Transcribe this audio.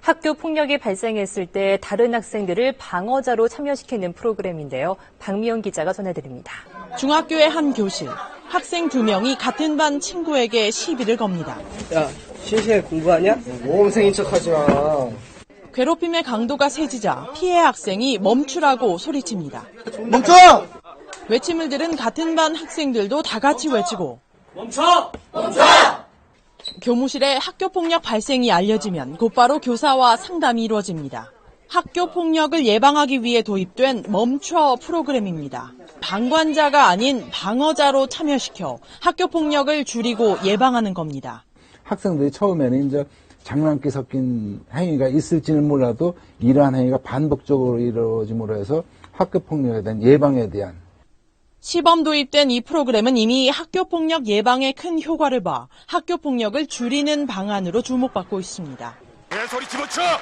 학교 폭력이 발생했을 때 다른 학생들을 방어자로 참여시키는 프로그램인데요. 박미영 기자가 전해드립니다. 중학교의 한 교실. 학생 2명이 같은 반 친구에게 시비를 겁니다. 야, 실시간에 공부하냐? 모험생인 척하지 마. 괴롭힘의 강도가 세지자 피해 학생이 멈추라고 소리칩니다. 멈춰! 외침을 들은 같은 반 학생들도 다 같이 외치고 멈춰! 멈춰! 교무실에 학교폭력 발생이 알려지면 곧바로 교사와 상담이 이루어집니다. 학교폭력을 예방하기 위해 도입된 멈춰 프로그램입니다. 방관자가 아닌 방어자로 참여시켜 학교폭력을 줄이고 예방하는 겁니다. 학생들이 처음에는 이제 장난기 섞인 행위가 있을지는 몰라도 이러한 행위가 반복적으로 이루어짐으로 해서 학교폭력에 대한 예방에 대한 시범 도입된 이 프로그램은 이미 학교폭력 예방에 큰 효과를 봐 학교폭력을 줄이는 방안으로 주목받고 있습니다. 소리 집어쳐!